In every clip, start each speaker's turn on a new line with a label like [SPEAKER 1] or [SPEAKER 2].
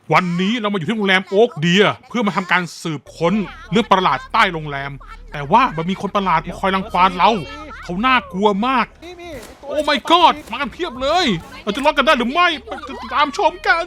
[SPEAKER 1] วันนี้เรามาอยู่ที่โรงแรมโอ๊กเดียเพื่อมาทำการสืบค้นเรื่องประหลาดใต้โรงแรมแต่ว่ามันมีคนประหลาดมาคอยรังควานเราเขาน่ากลัวมากโอ้ my god มากันเพียบเลยเราจะรอดกันได้หรือไม่ไปตามชมกัน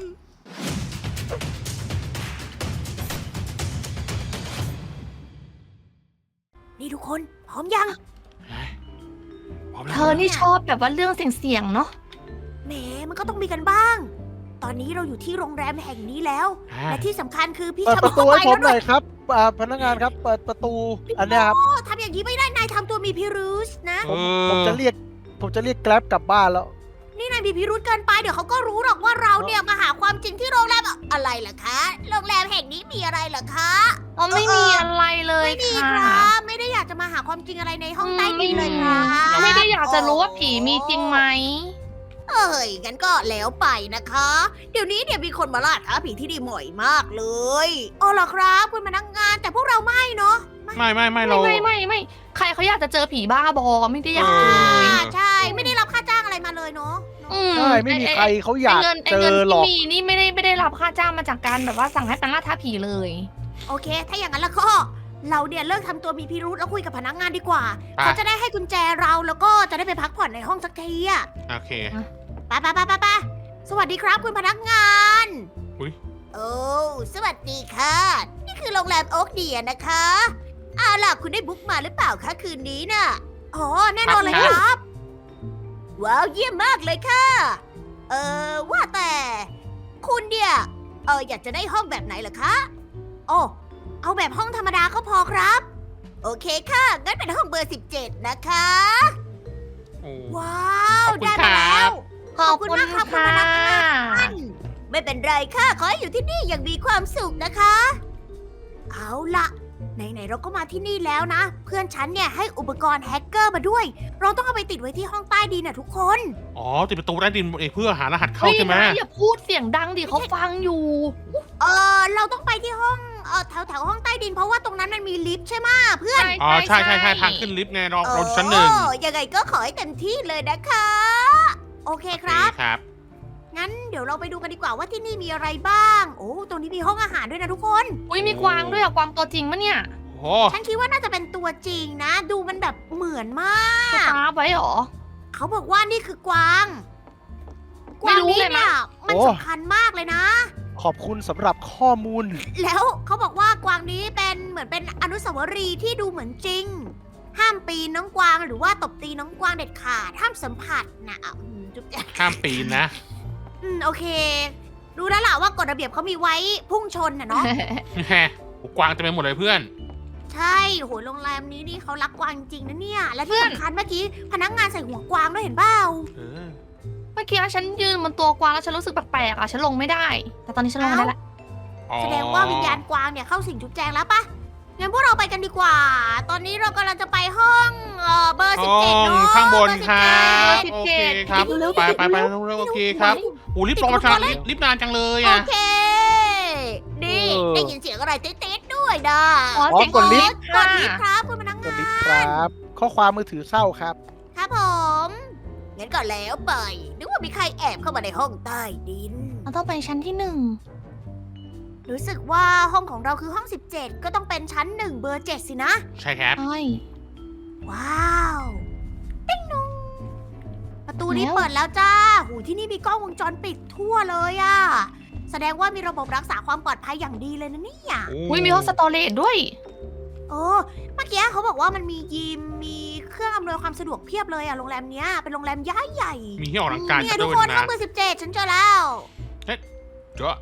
[SPEAKER 2] นี่ทุกคนพร้อมยัง
[SPEAKER 3] เธอนี่ชอบแบบว่าเรื่องเสี่ยงๆเนาะ
[SPEAKER 2] แหมมันก็ต้องมีกันบ้าง ตอนนี้เราอยู่ที่โรงแรมแห่งนี้แล้ว และที่สำคัญคือพี่
[SPEAKER 4] เปิด
[SPEAKER 2] จะ
[SPEAKER 4] ประตู
[SPEAKER 2] เข้า
[SPEAKER 4] ให้
[SPEAKER 2] ไป
[SPEAKER 4] ผม
[SPEAKER 2] แล้ว
[SPEAKER 4] ห
[SPEAKER 2] ด้
[SPEAKER 4] น่
[SPEAKER 2] ว
[SPEAKER 4] อย ยครับพนักงานครับเปิดประตูอันเนี้ยครับ
[SPEAKER 2] โอ้ทำอย่างนี้ไม่ได้นายทำตัวมีพิรุษนะ
[SPEAKER 4] ผมจะเรียกแกร็บกลับบ้านแล้ว
[SPEAKER 2] นี่นายมีพิรุษเกินไปเดี๋ยวเขาก็รู้หรอกว่าเราเนี่ยมาหาความจริงที่โรงแรมอะไรเหรอคะโรงแรมแห่งนี้มีอะไรเหรอคะ
[SPEAKER 3] อ๋อไม่มีอะไรเลย
[SPEAKER 2] ไม่มีค
[SPEAKER 3] ค่ะ
[SPEAKER 2] รับไม่ได้อยากจะมาหาความจริงอะไรในห้องใต้ดินเลยครับ
[SPEAKER 3] ไม่ได้อยากจะรู้ว่าผีมีจริงไหม
[SPEAKER 2] เอ้ยงั้นก็แล้วไปนะคะ เดี๋ยวนี้เนี่ยมีคนมาล่าท้าผีที่ดีบ่อยมากเลยอ๋อเหรอครับคุณพนักงานแต่พวกเราไม่เนาะ
[SPEAKER 1] ไม่เรา
[SPEAKER 3] ไม่ใครเขาอยากจะเจอผีบ้าบอไม่ได้อยากเจอ
[SPEAKER 2] ใช่ไม่ได้รับค่าจ้างอะไรมาเลยเนาะ
[SPEAKER 4] ใช่ไม่มีใครเขาอยาก
[SPEAKER 3] ไอ้
[SPEAKER 4] เจ
[SPEAKER 3] เงิน
[SPEAKER 4] อหรอก
[SPEAKER 3] ที่มีนี่ไม่ได้รับค่าจ้างมาจากการแบบว่าสั่งให้เป็นล่าท้าผีเลย
[SPEAKER 2] โอเค ถ้าอย่างนั้นแล้วก็เราเนี่ยเลิกทำตัวมีพิรุธแล้วคุยกับพนักงานดีกว่า
[SPEAKER 1] อ่ะ
[SPEAKER 2] เขาจะได้ให้กุญแจเราแล้วก็จะได้ไปพักผ่อนในห้องสักทีอะ
[SPEAKER 1] โอเค
[SPEAKER 2] ไปสวัสดีครับคุณพนักงาน
[SPEAKER 1] อุ๊ย
[SPEAKER 2] โอ้สวัสดีค่ะ นี่คือโรงแรมโอ๊กเดียนะคะเอาล่ะคุณได้บุ๊กมาหรือเปล่าคะคืนนี้น่ะอ๋อแน่นอนเลยครับ ว้าวเยี่ยมมากเลยค่ะ ว่าแต่คุณเนี่ยอยากจะได้ห้องแบบไหนเหรอคะโอ้เอาแบบห้องธรรมดาก็พอครับ โอเคค่ะงั้นเป็นห้องเบอร์ 17 นะคะ
[SPEAKER 1] โอ้
[SPEAKER 2] ว้าว
[SPEAKER 1] ขอบคุณ
[SPEAKER 2] ได้มาแล้ว
[SPEAKER 3] ขอบคุณ
[SPEAKER 2] ขอบคุณมากครับคุณ
[SPEAKER 3] ค่ะ
[SPEAKER 2] พนักงาน ไม่เป็นไรค่ะ ขอให้อยู่ที่นี่อย่างมีความสุขนะคะ เอาละไหนๆเราก็มาที่นี่แล้วนะ เพื่อนฉันเนี่ยให้อุปกรณ์แฮกเกอร์มาด้วย เราต้องเอาไปติดไว้ที่ห้องใต้ดินนะทุกคน
[SPEAKER 1] อ๋อติดประตูใต้ดินเองเพื่อหารหัสเข้า
[SPEAKER 3] เฮ้ย
[SPEAKER 1] ใช่ไหม
[SPEAKER 3] นายอย่าพูดเสียงดังดิเขาฟังอยู่
[SPEAKER 2] เราต้องไปที่ห้องแถวห้องใต้ดินเพราะว่าตรงนั้นมันมีลิฟต์ใช่ไหมเพื่อน
[SPEAKER 1] อ๋อใช่ทางขึ้นลิฟต์ไงเราชั้นหนึ่ง
[SPEAKER 2] ยังไงก็ขอให้เต็มที่เลยนะคะ โอเคครับ
[SPEAKER 1] ครับ
[SPEAKER 2] งั้นเดี๋ยวเราไปดูกันดีกว่าว่าที่นี่มีอะไรบ้าง โอ้ตรงนี้มีห้องอาหารด้วยนะทุกคน
[SPEAKER 3] อุ้ยมีกวางด้วยอะกวางตัวจริงปะเนี่ย
[SPEAKER 1] โอ้
[SPEAKER 2] ฉันคิดว่าน่าจะเป็นตัวจริงนะ ดูมันแบบเหมือนมา
[SPEAKER 3] ส
[SPEAKER 2] ก
[SPEAKER 3] ตาร์ฟไว้เหรอ
[SPEAKER 2] เขาบอกว่านี่คือกวาง ก
[SPEAKER 3] ไม่
[SPEAKER 2] วาง
[SPEAKER 3] รู้
[SPEAKER 2] นี้
[SPEAKER 3] เลยมั้
[SPEAKER 2] เนี่ย
[SPEAKER 3] ย
[SPEAKER 2] มัน
[SPEAKER 4] โอ้
[SPEAKER 2] สำคัญมากเลยนะ
[SPEAKER 4] ขอบคุณสำหรับข้อมูล
[SPEAKER 2] แล้วเขาบอกว่ากวางนี้เป็นเหมือนเป็นอนุสาวรีย์ที่ดูเหมือนจริง ห้ามปีนน้องกวางหรือว่าตบตีน้องกวางเด็ดขาดห้ามสัมผัสนะจุ๊บแจ๊ะ
[SPEAKER 1] ข้ามปีนนะ
[SPEAKER 2] โอเค รู้แล้วล่ะว่ากฎระเบียบเขามีไว้พุ่งชนนะเนาะ
[SPEAKER 1] แฮะกวางเต็มไปหมดเลยเพื่อน
[SPEAKER 2] ใช่โหโรงแรมนี้นี่เขารักกวางจริงนะเนี่ย และที่สำคัญเมื่อกี้พนักงานใส่หัวกวางด้วยเห็นเปล่า
[SPEAKER 1] เออ
[SPEAKER 3] เมื่อกี้ฉันยืนบนตัวกวางแล้วฉันรู้สึกแปลกๆอะฉันลงไม่ได้ แต่ตอนนี้ฉันลงได้ละ
[SPEAKER 1] อ๋อ
[SPEAKER 2] แสดงว่าวิญญาณกวางเนี่ยเข้าสิงจุ๊บแจงแล้วปะงั้นพวกเราไปกันดีกว่า ตอนนี้เรากำลังจะไปห้องเบอร์
[SPEAKER 1] ห้
[SPEAKER 2] 17
[SPEAKER 1] อง
[SPEAKER 2] เนาะ
[SPEAKER 1] ข้างบน
[SPEAKER 2] เอร์
[SPEAKER 1] ครั
[SPEAKER 2] 17
[SPEAKER 1] บโอเคครับไปเร็วโอเคครับโอ้รีบลงมาช้ารีบนานจังเลย
[SPEAKER 2] โอ
[SPEAKER 1] อ่ะ
[SPEAKER 2] เค นี่ได้ยินเสียงอะไรติ๊ดๆด้วยนะ
[SPEAKER 3] อ๋อ
[SPEAKER 4] อ๋อ
[SPEAKER 3] เสียง
[SPEAKER 4] กดลิฟต์
[SPEAKER 2] กดลิฟต์ครับคุณพนัก
[SPEAKER 4] ก
[SPEAKER 2] งา
[SPEAKER 4] ด
[SPEAKER 2] น
[SPEAKER 4] ลิฟต์ครับ ข้อความมือถือเศร้าครับ
[SPEAKER 2] ครับผมงั้นก็แล้วไปนึกว่ามีใครแอบเข้ามาในห้องใต้ดิน
[SPEAKER 3] เราต้องไปชั้นที่1
[SPEAKER 2] รู้สึกว่าห้องของเราคือห้อง 17 ก็ต้องเป็นชั้น 1 เบอร์ 7 สินะ
[SPEAKER 1] ใช่ครับ
[SPEAKER 3] ใช่
[SPEAKER 2] ว้าวติ๊งนุงประตูนี้
[SPEAKER 3] แล้ว
[SPEAKER 2] เปิดแล้วจ้าหูที่นี่มีกล้องวงจรปิดทั่วเลยอะแสดงว่ามีระบบรักษาความปลอดภัยอย่างดีเลยนะเนี่ย
[SPEAKER 3] อุ้ยมีห้องสตอเรจด้วย
[SPEAKER 2] เออเมื่อกี้เขาบอกว่ามันมียิมมีเครื่องอำนวยความสะดวกเพียบเลยอะโรงแรมเนี้ยเป็นโรงแรมย้ายใหญ่
[SPEAKER 1] มีที่ออกกำลังกาย
[SPEAKER 2] เนี่ย
[SPEAKER 1] ด้
[SPEAKER 2] ทุก
[SPEAKER 1] วย
[SPEAKER 2] คนห้อ
[SPEAKER 1] นะ
[SPEAKER 2] งเบอร์ 17 ฉันเจอแล้ว
[SPEAKER 1] เจ้า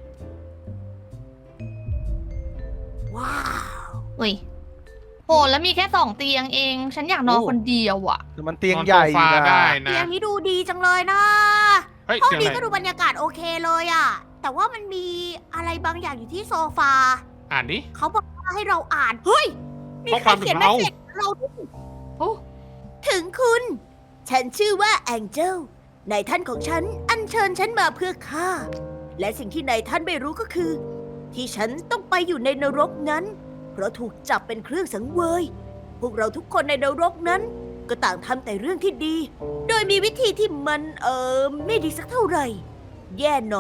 [SPEAKER 2] ว้าว
[SPEAKER 3] อุ้ยโหแล้วมีแค่2 เตียงเอง ฉันอยากนอน
[SPEAKER 4] โอ้
[SPEAKER 3] คนเดียวอะ
[SPEAKER 4] แต่มันเตียง
[SPEAKER 1] นอน
[SPEAKER 4] ใหญ่
[SPEAKER 1] โซฟา
[SPEAKER 4] นะ
[SPEAKER 1] ได้
[SPEAKER 2] เตี
[SPEAKER 1] นะ
[SPEAKER 2] ยงนี้ดูดีจังเลยนะ
[SPEAKER 1] เฮ้ย
[SPEAKER 2] ห้อง
[SPEAKER 1] เสียง
[SPEAKER 2] นี้
[SPEAKER 1] อะไร
[SPEAKER 2] ก็ดูบรรยากาศโอเคเลยอะแต่ว่ามันมีอะไรบางอย่างอยู่ที่โซฟา
[SPEAKER 1] อ่านดิ
[SPEAKER 2] เขาบอกว่าให้เราอ่าน เฮ้ย มี
[SPEAKER 1] ข้อ
[SPEAKER 2] ใค
[SPEAKER 1] ค
[SPEAKER 2] ร
[SPEAKER 1] วาม
[SPEAKER 2] เขียน
[SPEAKER 1] ถึง
[SPEAKER 2] เมส
[SPEAKER 1] เรา
[SPEAKER 2] เซจเราด้วย
[SPEAKER 3] โอ้
[SPEAKER 2] ถึงคุณ ฉันชื่อว่าแองเจลนายท่านของฉันอัญเชิญฉันมาเพื่อฆ่า และสิ่งที่นายท่านไม่รู้ก็คือ ที่ฉันต้องไปอยู่ในนรกนั้น เพราะถูกจับเป็นเครื่องสังเวย พวกเราทุกคนในนรกนั้น ก็ต่างทำแต่เรื่องที่ดี โดยมีวิธีที่มันไม่ดีสักเท่าไหร่ แย่หน่อย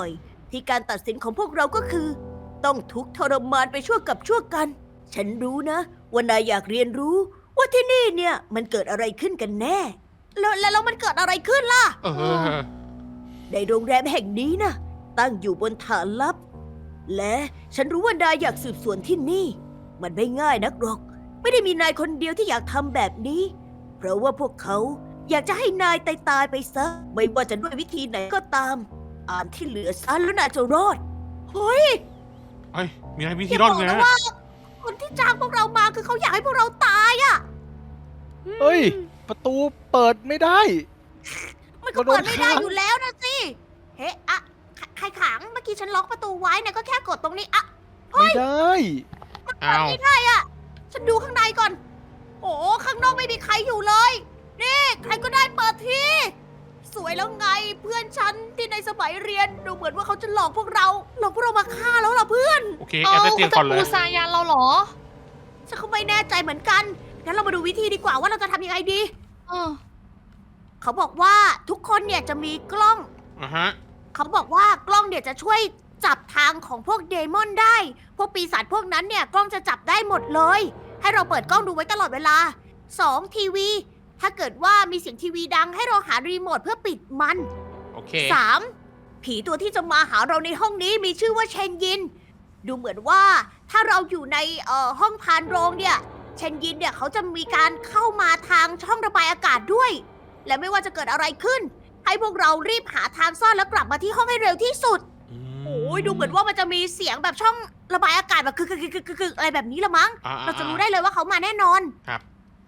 [SPEAKER 2] ที่การตัดสินของพวกเราก็คือ ต้องทุกข์ทรมานไปชั่วกับชั่วกัน ฉันรู้นะว่านายอยากเรียนรู้ ว่าที่นี่เนี่ยมันเกิดอะไรขึ้นกันแน่ แล้วมันเกิดอะไรขึ้นล่ะ
[SPEAKER 1] เออ
[SPEAKER 2] ในโรงแรมแห่งนี้นะตั้งอยู่บนฐานลับ และฉันรู้ว่านายอยากสืบสวนที่นี่ มันไม่ง่ายนักหรอก ไม่ได้มีนายคนเดียวที่อยากทำแบบนี้ เพราะว่าพวกเขาอยากจะให้นายตายไปซะ ไม่ว่าจะด้วยวิธีไหนก็ตาม อ่านที่เหลือซะแล้วนายจะรอด เฮ้ย
[SPEAKER 1] เอ้ยมีอะไรวิ
[SPEAKER 2] อ
[SPEAKER 1] ธี
[SPEAKER 2] ย่าร
[SPEAKER 1] อด
[SPEAKER 2] บอก
[SPEAKER 1] ไง
[SPEAKER 2] นะว่า คนที่จ้างพวกเรามาคือเขาอยากให้พวกเราตายอะ
[SPEAKER 4] เฮ้ย ประตูเปิดไม่ได้
[SPEAKER 2] มันก็เปิดไม่ได้อยู่แล้วนะสิ เฮ้อะใครขัง เมื่อกี้ฉันล็อกประตูไว้นะก็แค่กดตรงนี้อะ
[SPEAKER 4] ไม่ได้
[SPEAKER 1] อ้าว
[SPEAKER 2] ไม่ได้อะฉันดูข้างในก่อน โอ้ข้างนอกไม่มีใครอยู่เลย นี่ใครก็ได้เปิดที สวยแล้วไงเพื่อนฉันที่ในสมัยเรียนดูเหมือนว่าเขาจะหลอกพวกเรามาฆ่าแล้วล่ะเพื่อน
[SPEAKER 1] โอเคแอบใต้เตียงก่อนเลย
[SPEAKER 3] ปูซายันเราเหรอ
[SPEAKER 2] ฉันก็ไม่แน่ใจเหมือนกัน งั้นเรามาดูวิธีดีกว่าว่าเราจะทำยังไงดี
[SPEAKER 3] เออ
[SPEAKER 2] เขาบอกว่าทุกคนเนี่ยจะมีกล้อง
[SPEAKER 1] อ่ะฮะ
[SPEAKER 2] เขาบอกว่ากล้องเนี่ยจะช่วยจับทางของพวกเดมอนได้ พวกปีศาจพวกนั้นเนี่ยกล้องจะจับได้หมดเลย ให้เราเปิดกล้องดูไว้ตลอดเวลา 2. ทีวี ถ้าเกิดว่ามีเสียงทีวีดังให้เราหารีโมทเพื่อปิดมัน
[SPEAKER 1] โอเค
[SPEAKER 2] 3. ผีตัวที่จะมาหาเราในห้องนี้มีชื่อว่าเชนยิน ดูเหมือนว่าถ้าเราอยู่ในห้องพานโรงเนี่ย เชนยินเนี่ยเขาจะมีการเข้ามาทางช่องระบายอากาศด้วย และไม่ว่าจะเกิดอะไรขึ้น ให้พวกเรารีบหาทางซ่อนแล้วกลับมาที่ห้องให้เร็วที่สุด โอ้ยดูเหมือนว่ามันจะมีเสียงแบบช่องระบายอากาศแบบคืออะไรแบบนี้ละมั้ง เราจะรู้ได้เลยว่าเขามาแน่นอน
[SPEAKER 1] ครับ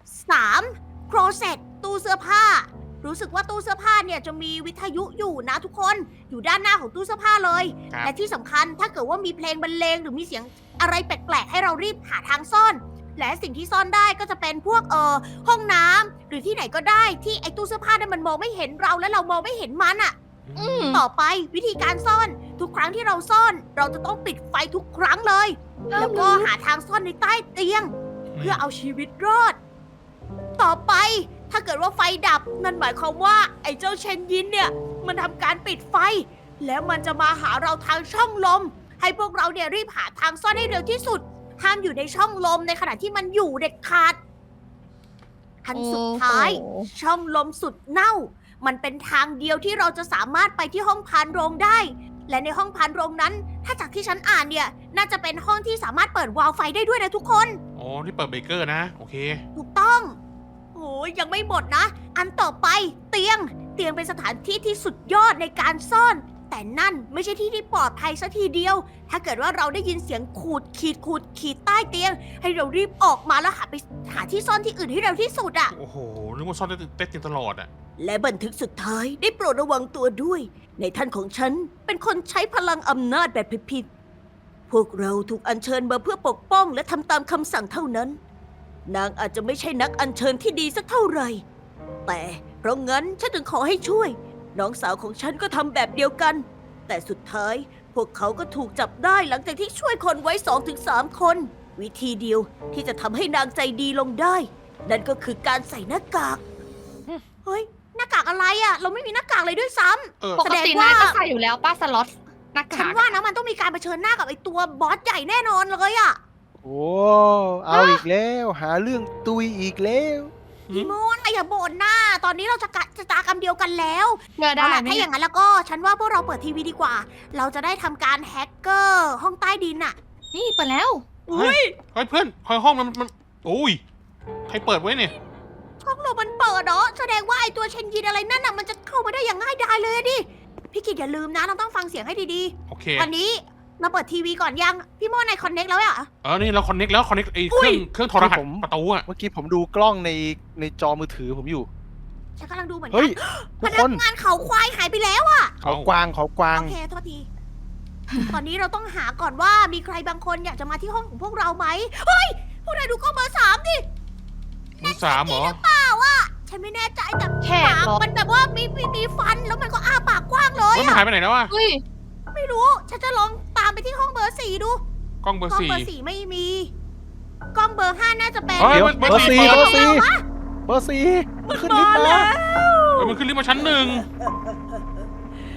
[SPEAKER 2] 3. โครเซตตู้เสื้อผ้า รู้สึกว่าตู้เสื้อผ้าเนี่ยจะมีวิทยุอยู่นะทุกคน อยู่ด้านหน้าของตู้เสื้อผ้าเลย
[SPEAKER 1] ครับ
[SPEAKER 2] และที่สำคัญถ้าเกิดว่ามีเพลงบรรเลงหรือมีเสียงอะไรแปลกๆให้เรารีบหาทางซ่อน และสิ่งที่ซ่อนได้ก็จะเป็นพวกห้องน้ำหรือที่ไหนก็ได้ที่ไอ้ตู้เสื้อผ้าเนี่ยมันมองไม่เห็นเราและเรามองไม่เห็นมันอะ
[SPEAKER 3] อืม
[SPEAKER 2] ต่อไปวิธีการซ่อนทุกครั้งที่เราซ่อน เราจะต้องปิดไฟทุกครั้งเลย แล้วก็หาทางซ่อนในใต้เตียง เพื่อเอาชีวิตรอด ต่อไปถ้าเกิดว่าไฟดับนั่นหมายความว่าไอ้เจ้าเชนยินเนี่ยมันทำการปิดไฟ แล้วมันจะมาหาเราทางช่องลม ให้พวกเราเนี่ยรีบหาทางซ่อนให้เร็วที่สุด ห้ามอยู่ในช่องลมในขณะที่มันอยู่เด็ดขาดอันสุดท้าย
[SPEAKER 3] โอ้โห
[SPEAKER 2] ช่องลมสุดเน่า มันเป็นทางเดียวที่เราจะสามารถไปที่ห้องพานโรงได้ และในห้องพานโรงนั้น ถ้าจากที่ฉันอ่านเนี่ย น่าจะเป็นห้องที่สามารถเปิดวาล์วไฟได้ด้วยนะทุกคน
[SPEAKER 1] อ๋อที่เปิดเบเกอร์นะ โอเค
[SPEAKER 2] ถูกต้อง โอ้ยยังไม่หมดนะ อันต่อไปเตียง เตียงเป็นสถานที่ที่สุดยอดในการซ่อน แต่นั่นไม่ใช่ที่ที่ปลอดภัยซะทีเดียว ถ้าเกิดว่าเราได้ยินเสียงขูดขีดใต้เตียง ให้เรารีบออกมาแล้วหาที่ซ่อนที่อื่นให้เร็วที่สุดอะ
[SPEAKER 1] โอ้โห นึกว่าซ่อนได้เต้นตลอดอ่ะ
[SPEAKER 2] และบันทึกสุดท้ายได้โปรดระวังตัวด้วย ในท่านของฉันเป็นคนใช้พลังอำนาจแบบผิดๆพวกเราถูกอัญเชิญมาเพื่อปกป้องและทำตามคำสั่งเท่านั้น นางอาจจะไม่ใช่นักอัญเชิญที่ดีสักเท่าไหร่ แต่เพราะงั้นฉันถึงขอให้ช่วย น้องสาวของฉันก็ทำแบบเดียวกัน แต่สุดท้ายพวกเขาก็ถูกจับได้หลังจากที่ช่วยคนไว้ 2-3 คน วิธีเดียวที่จะทำให้นางใจดีลงได้ นั่นก็คือการใส่หน้ากาก เฮ้ย หน้ากากอะไรอะเราไม่มีหน้ากากเลยด้วยซ้ำ
[SPEAKER 1] เออ
[SPEAKER 3] ปกตินายก็ใส่อยู่แล้วป้าสล็อตหน้า
[SPEAKER 2] ฉัน
[SPEAKER 3] กาก
[SPEAKER 2] ว่านะมันต้องมีการเผชิญหน้ากับไอ้ตัวบอสใหญ่แน่นอนเลยอะ
[SPEAKER 4] โอ้เอาอีกแล้ว หาเรื่องตุยอีกแล้ว
[SPEAKER 2] พี่โมนอย่าบ่นหน้า ตอนนี้เราจะตากรรมเดียวกันแล้ว
[SPEAKER 3] เงยได้
[SPEAKER 2] เอาล่ะ
[SPEAKER 3] ไหม
[SPEAKER 2] ถ้าอ
[SPEAKER 3] เนี่ย
[SPEAKER 2] ย่างนั้นแล้วก็ฉันว่าพวกเราเปิดทีวีดีกว่า เราจะได้ทำการแฮกเกอร์ห้องใต้ดินอะ
[SPEAKER 3] นี่เปิดแล้ว
[SPEAKER 2] อุ้ย
[SPEAKER 1] เฮ้ยเพื่อนคอยห้องมันโอ้ย ใครเปิดไว้เนี่ย
[SPEAKER 2] ช่องลมมันเปิดเนาะแสดงว่าไอ้ตัวเชนยินอะไรนั่นน่ะมันจะเข้ามาได้อย่างง่ายดายเลยอะดิพี่กิดอย่าลืมนะเราต้องฟังเสียงให้ดี
[SPEAKER 1] โอเค
[SPEAKER 2] ๆวันนี้มาเปิดทีวีก่อนยังพี่โมนในคอนเน็กแล้วอะ
[SPEAKER 1] นี่เราคอนเน็กแล้วคอนเน็กไอ้
[SPEAKER 2] อุ้ย
[SPEAKER 1] เครื่องโทรหัส
[SPEAKER 4] ผม
[SPEAKER 1] ประตูอ่ะ
[SPEAKER 4] เมื่อกี้ผมดูกล้องในจอมือถือผมอยู่
[SPEAKER 2] ฉันกำลังดูเหมือนกั
[SPEAKER 4] เฮ้ย
[SPEAKER 2] พ
[SPEAKER 4] ทุก
[SPEAKER 2] นั
[SPEAKER 4] ค
[SPEAKER 2] ก
[SPEAKER 4] น
[SPEAKER 2] งานเขาควายหายไปแล้วอะ
[SPEAKER 4] เขากวางเขากวาง
[SPEAKER 2] โอเคโทษที ตอนนี้เราต้องหาก่อนว่ามีใครบางคนอยากจะมาที่ห้องของพวกเราไหมเฮ้ยพวกนายดูกล้องเบอร์ 3ดิ
[SPEAKER 1] มือสามเหรอ
[SPEAKER 2] เปล่าอะฉันไม่แน่ใจแต่
[SPEAKER 3] แขก
[SPEAKER 2] ปาก
[SPEAKER 3] เหรอ
[SPEAKER 2] มันแบบว่ามีฟันแล้วมันก็อ้าปากกว้างเลย
[SPEAKER 1] เฮ้ยมันหายไปไหนแล้วอ่ะ
[SPEAKER 3] เฮ้ย
[SPEAKER 2] ไม่รู้ ฉันจะลองตามไปที่ห้องเบอร์ 4 ดู
[SPEAKER 1] กล้องเบอร์
[SPEAKER 2] กล้อง
[SPEAKER 1] สี่
[SPEAKER 2] เบอร์ 4 ไม่มี กล้องเบอร์ 5 น่าจะเป็น
[SPEAKER 1] เฮ้ย
[SPEAKER 4] เดี๋ยว
[SPEAKER 1] เบอร์
[SPEAKER 4] เบอร์
[SPEAKER 1] สี่
[SPEAKER 4] สี่
[SPEAKER 1] เปิ
[SPEAKER 4] เบ
[SPEAKER 1] ด
[SPEAKER 4] อร์สี่เบอร์สี่มันขึ้นลิฟต์
[SPEAKER 2] มา
[SPEAKER 4] มา
[SPEAKER 2] แล้ว
[SPEAKER 1] มันขึ้นลิฟต์มาชั้น 1
[SPEAKER 2] ม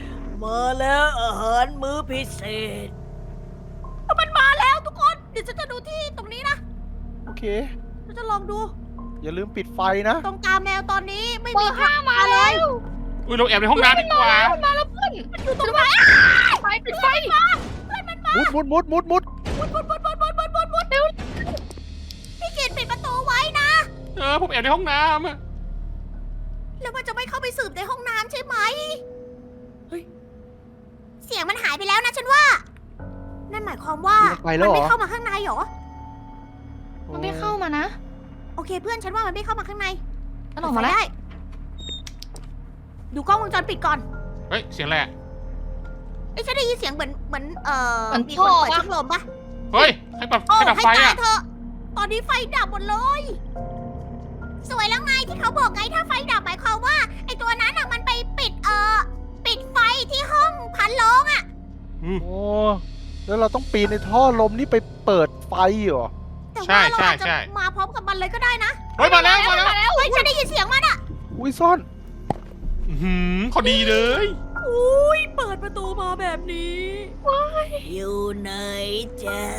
[SPEAKER 2] มาแล้วอาหารมื้อพิเศษ มันมาแล้วทุกคน เดี๋ยวฉันจะดูที่ตรงนี้นะ
[SPEAKER 4] โอเค
[SPEAKER 2] ฉันจะลองดู
[SPEAKER 4] อย่าลืมปิดไฟนะ
[SPEAKER 2] ตรงกาแมวตอนนี้ไม่
[SPEAKER 3] เบอ
[SPEAKER 2] มี
[SPEAKER 3] ร์ห้ามาแล้ว
[SPEAKER 1] อุ้ยเราแอบในห้องน้ำดีกว่า
[SPEAKER 3] มาแล้วเพื่อน
[SPEAKER 2] มันอยู่ตรงไหน
[SPEAKER 3] ไฟปิดไฟ
[SPEAKER 4] มุด
[SPEAKER 2] มุดเร็วพี่กิตปิดประตูไว้นะ
[SPEAKER 1] ผมแอบในห้องน้ำอะ
[SPEAKER 2] แล้วมันจะไม่เข้าไปสืบในห้องน้ำใช่ไหมเฮ้ย เสียงมันหายไปแล้วนะฉันว่า นั่นหมายความว่า
[SPEAKER 4] ไปแล้วเหรอ
[SPEAKER 2] ไม่เข้ามาข้างในเหรอ
[SPEAKER 3] มันไม่เข้ามานะ
[SPEAKER 2] โอเคเพื่อนฉันว่ามันไม่เข้ามาข้างใน
[SPEAKER 3] ฉันออกมาแล้ว
[SPEAKER 2] ได้ ดูกล้องวงจรปิดก่อน
[SPEAKER 1] เฮ้ยเสียงอะไรอะ
[SPEAKER 2] ไอ้ยฉันได้ยินเสียงเหมือนมี
[SPEAKER 3] มัน
[SPEAKER 2] คน
[SPEAKER 3] ท่อ
[SPEAKER 2] เปิด
[SPEAKER 3] ปะ
[SPEAKER 2] ช่องลมปะ
[SPEAKER 1] เฮ้ยให้ปรับ
[SPEAKER 2] โอ้
[SPEAKER 1] ให้ดับ
[SPEAKER 2] ให้
[SPEAKER 1] ไฟ
[SPEAKER 2] ตาย
[SPEAKER 1] อะ
[SPEAKER 2] เถอะ ตอนนี้ไฟดับหมดเลย สวยแล้วไงที่เขาบอกไงถ้าไฟดับหมายความว่าไอ้ตัวนั้นอะมันไปปิดปิดไฟที่ห้องพันโลงอะ
[SPEAKER 4] โอ้แล้วเราต้องปีนในท่อลมนี่ไปเปิดไฟเหรอ
[SPEAKER 2] แต่ว่าเราอาจจะมาพร้อมกับมันเลยก็ได้นะ
[SPEAKER 1] เฮ้ยมาแล้ว
[SPEAKER 2] เฮ้ยฉันได้ยินเสียงมันอะ
[SPEAKER 4] อุ้ยซ่อน
[SPEAKER 1] อื้อหือพอดีเลย
[SPEAKER 2] อุ้ยเปิดประตูมาแบบนี้อยู่ไหนจ๊ะ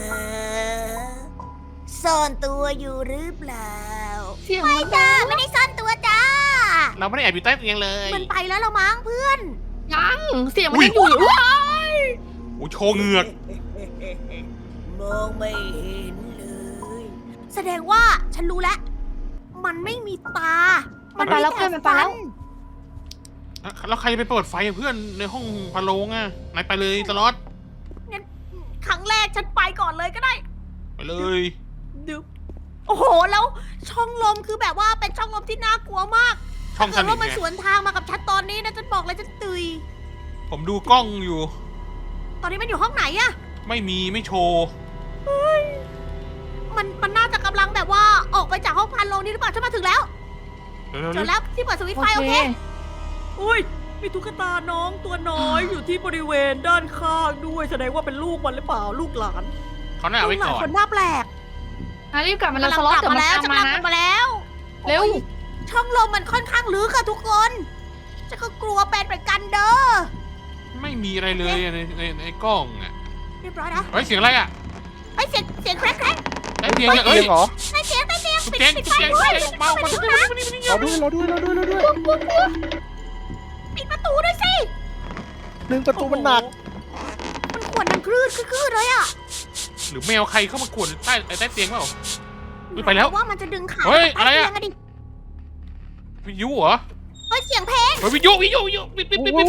[SPEAKER 2] ซ่อนตัวอยู่หรือเปล่า
[SPEAKER 3] เสียง
[SPEAKER 2] ไม่
[SPEAKER 3] มัน
[SPEAKER 2] จ้าไม่ได้ซ่อนตัวจ้า
[SPEAKER 1] เราไม่ได้แอบอยู่ใต้เตียงเลย
[SPEAKER 2] มันไปแล้วละมั้งเพื่อน
[SPEAKER 3] ยังเสียงมันยังอยู่อุ๊ย
[SPEAKER 1] โอ้ยโชว์เหงือก
[SPEAKER 2] มองไม่เห็นเลย แสดงว่าฉันรู้แล้ว มันไม่มีตา
[SPEAKER 3] มันไปแล้วเพื่อนมันไปแล้ว
[SPEAKER 1] แล้วใครจะไปเปิดไฟอะเพื่อนในห้องพะโลงอะนายไปเลยตลอด
[SPEAKER 2] ครั้งแรกฉันไปก่อนเลยก็ได้
[SPEAKER 1] ไปเลย
[SPEAKER 2] ดึบโอ้โห แล้วช่องลมคือแบบว่าเป็นช่องลมที่น่ากลัวมาก
[SPEAKER 1] ช่องส
[SPEAKER 2] ถ้า
[SPEAKER 1] นิ
[SPEAKER 2] เกิ
[SPEAKER 1] ท
[SPEAKER 2] ดว่ามัน
[SPEAKER 1] ไง
[SPEAKER 2] สวนทางมากับฉันตอนนี้นะฉันบอกเลยฉันตุย
[SPEAKER 1] ผมดูกล้องอยู่
[SPEAKER 2] ตอนนี้มันอยู่ห้องไหนอะ
[SPEAKER 1] ไม่โชว์
[SPEAKER 2] มันน่าจะกำลังแบบว่าออกไปจากห้องพันโลงนี่หรือเปล่าฉันมาถึงแล้ว
[SPEAKER 1] เดี๋ยว
[SPEAKER 2] เจอแล้วที่เปิดสวิตช์ไฟโอเค อุ้ย มีตุ๊กตาน้องตัวน้อยอยู่ที่บริเวณด้านข้างด้วยแสดงว่าเป็นลูกมันหรือเปล่าลูกหลาน
[SPEAKER 1] เขาหน้าเอาไว้
[SPEAKER 2] ลูกหลา
[SPEAKER 1] ก่
[SPEAKER 2] น
[SPEAKER 1] อน
[SPEAKER 2] คนหน้าแปลก
[SPEAKER 3] รีบกลับมาแล้วสล็อต
[SPEAKER 2] กลั
[SPEAKER 3] เดี๋ยว
[SPEAKER 2] มา
[SPEAKER 3] มัน
[SPEAKER 2] แล้ว
[SPEAKER 3] ตาม
[SPEAKER 2] จะ
[SPEAKER 3] มาก
[SPEAKER 2] ลับ
[SPEAKER 3] นะ
[SPEAKER 2] มาแล้ว
[SPEAKER 3] เร็ว
[SPEAKER 2] โอ้ยช่องลมมันค่อนข้างลึกอะทุกคนฉันก็กลัวเป็นเหมือนกันเด้อ
[SPEAKER 1] ไม่มีอะไรเลยอะในกล้องอะ
[SPEAKER 2] เรียบร้อยนะ
[SPEAKER 1] เฮ้ยเสียงอะไรอะ
[SPEAKER 2] ไอ้ยเสียงแครก
[SPEAKER 1] ใต้เตียง
[SPEAKER 4] ใต้
[SPEAKER 1] เนี่ย
[SPEAKER 4] เตี
[SPEAKER 1] เอ้
[SPEAKER 4] ย
[SPEAKER 1] ย
[SPEAKER 4] งเหรอ
[SPEAKER 2] ไอ้เสียงปิด
[SPEAKER 1] เตียง
[SPEAKER 2] ไฟ
[SPEAKER 1] เตียง
[SPEAKER 2] ด้วย
[SPEAKER 1] เบามา
[SPEAKER 2] ปิด
[SPEAKER 1] ทุก
[SPEAKER 2] ไฟ
[SPEAKER 1] คน
[SPEAKER 2] ด้วย
[SPEAKER 4] รอด้วย
[SPEAKER 2] ปิดประตูด้วยสิ
[SPEAKER 4] หนึ่งประตูมันหนัก
[SPEAKER 2] มันขวนดังคลื่นเลยอะ
[SPEAKER 1] หรือแมวใครเข้ามากวนใต้เตียงเปล่า อุ๊ยไปแล้ว
[SPEAKER 2] ว่ามันจะดึงขา
[SPEAKER 1] เฮ้ย
[SPEAKER 2] ป
[SPEAKER 1] อะไรอะ
[SPEAKER 2] ใต้เตียงดิ
[SPEAKER 1] วิทยุเหรอ
[SPEAKER 2] เฮ้ยเสียงเพลง
[SPEAKER 1] เฮ้ยวิทยุปิด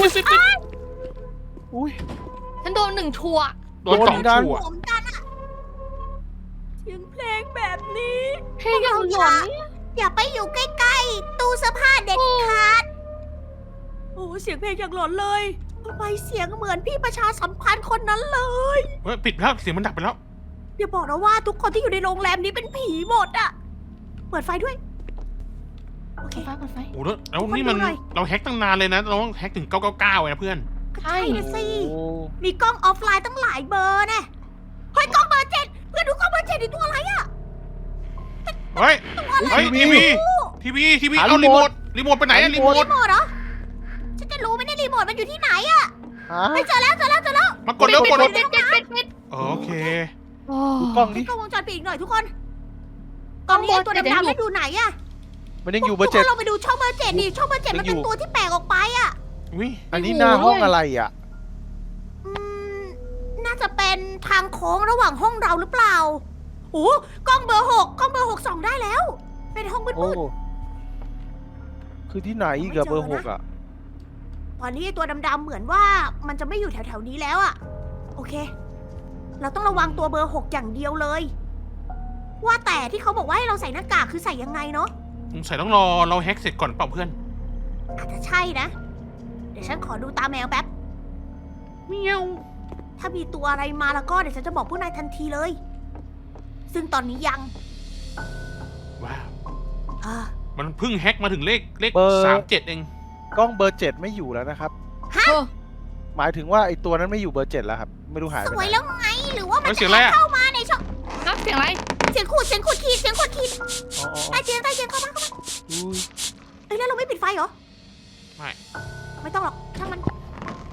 [SPEAKER 4] อุ้ย
[SPEAKER 3] ฉันโดนหนึ่งชัวร์
[SPEAKER 1] โดนสอง
[SPEAKER 4] โดน
[SPEAKER 1] ชั่ว
[SPEAKER 2] ผมกันอะเสียงเพลงแบบนี้
[SPEAKER 3] เพลงยังหลอนเนี่ย
[SPEAKER 2] อย่าไปอยู่ใกล้ๆตู้เสื้อผ้าเด็ดขาด โอ้เสียงเพลงอย่างหลอนเลยทำไมเสียงเหมือนพี่ประชาสัมพันธ์คนนั้นเลย
[SPEAKER 1] เฮ้ยปิดแล้วเสียงมันดับไปแล้ว
[SPEAKER 2] อย่าบอกนะว่าทุกคนที่อยู่ในโรงแรมนี้เป็นผีหมดอะเปิดไฟด้วย โอเค
[SPEAKER 3] เปิดไฟ
[SPEAKER 1] โอ้แล้วนี่มัน
[SPEAKER 2] ขอดูหน่อย
[SPEAKER 1] เราแฮกตั้งนานเลยนะเราต้องแฮกถึง999เลยนะเพื่อน
[SPEAKER 3] ใช่
[SPEAKER 2] ใช่นะสิ
[SPEAKER 4] โอ้
[SPEAKER 2] มีกล้องออฟไลน์ตั้งหลายเบอร์แน่เฮ้ยกล้องเบอร์7เพื่อนดูกล้องเบอร์7นี่ตัวอะไรอะ
[SPEAKER 1] เฮ้ย
[SPEAKER 2] ตัวอะไร
[SPEAKER 1] เฮ้ยทีวีเอารีโมทไปไหนอะรีโมท
[SPEAKER 2] รีโมทเหรอฉันจะรู้ไหมเนี่ยรีโมทมันอยู่ที่ไหนอะ
[SPEAKER 4] ฮะ
[SPEAKER 2] เฮ้ยเจอแล้ว
[SPEAKER 1] มากดเร็วกด
[SPEAKER 3] ปิด
[SPEAKER 1] โอเค
[SPEAKER 3] โอ้
[SPEAKER 4] ดูกล้องดิ
[SPEAKER 2] กล้องวงจรปิดอีกหน่อยทุกคนตอนนี้ไอ้ตัวดำๆนั่นอยู่ไหนอะ
[SPEAKER 4] มันยังอยู่เบอร์
[SPEAKER 2] ทุ
[SPEAKER 4] เจ็
[SPEAKER 2] ก
[SPEAKER 4] ด
[SPEAKER 2] คนเราไปดูช่องเบอร์7ดิช่องเบอร์7มันเป็นตัวที่แปลกออกไปอะ
[SPEAKER 1] อุ้ย
[SPEAKER 4] อันนี้หน้าห้องอะไรอ่ะ
[SPEAKER 2] อืมน่าจะเป็นทางโค้งระหว่างห้องเราหรือเปล่าโอ้กล้องเบอร์6กล้องเบอร์6ส่องได้แล้ว เป็นห้องมื
[SPEAKER 4] โอ้
[SPEAKER 2] ด
[SPEAKER 4] คือที่ไหนอีกอะเบอร์หกอ่ะ
[SPEAKER 2] ๆตอนนี้ไอ้ตัวดำๆเหมือนว่ามันจะไม่อยู่แถวๆนี้แล้วอะโอเค เราต้องระวังตัวเบอร์6อย่างเดียวเลย ว่าแต่ที่เขาบอกว่าให้เราใส่หน้ากากคือใส่ยังไงเนาะ
[SPEAKER 1] สงสัยต้องรอเราแฮกเสร็จก่อนเปล่าเพื่อน
[SPEAKER 2] อาจจะใช่นะ เดี๋ยวฉันขอดูตาแมวแป๊บ
[SPEAKER 1] เมียว
[SPEAKER 2] ถ้ามีตัวอะไรมาแล้วก็เดี๋ยวฉันจะบอกผู้นายทันทีเลย ซึ่งตอนนี้ยัง
[SPEAKER 1] ว้าว
[SPEAKER 2] อ่า
[SPEAKER 1] มันเพิ่งแฮกมาถึงเลข
[SPEAKER 4] เบอร์
[SPEAKER 1] 37เอง
[SPEAKER 4] กล้องเบอร์7ไม่อยู่แล้วนะครับ
[SPEAKER 3] เออ
[SPEAKER 4] หมายถึงว่าไอ้ตัวนั้นไม่อยู่เบอร์7แล้วครับ ไม่รู้หายไป
[SPEAKER 2] ส
[SPEAKER 4] ไห
[SPEAKER 2] วย
[SPEAKER 4] น
[SPEAKER 2] แล้วไง หรือว่ามัน
[SPEAKER 1] เฮ้ยเสี
[SPEAKER 2] จะ
[SPEAKER 1] ยงอะไรอะ
[SPEAKER 2] เข้ามาในช่อง
[SPEAKER 3] นับเสียงอะไร
[SPEAKER 2] เสียงขูดขีด
[SPEAKER 4] อ๋อ
[SPEAKER 2] ใต้เตียงเข้ามา
[SPEAKER 4] อุ้ย
[SPEAKER 2] เอ้ยแล้วเราไม่ปิดไฟเหรอ
[SPEAKER 1] ไม่
[SPEAKER 2] ไม่ต้องหรอกช่างมัน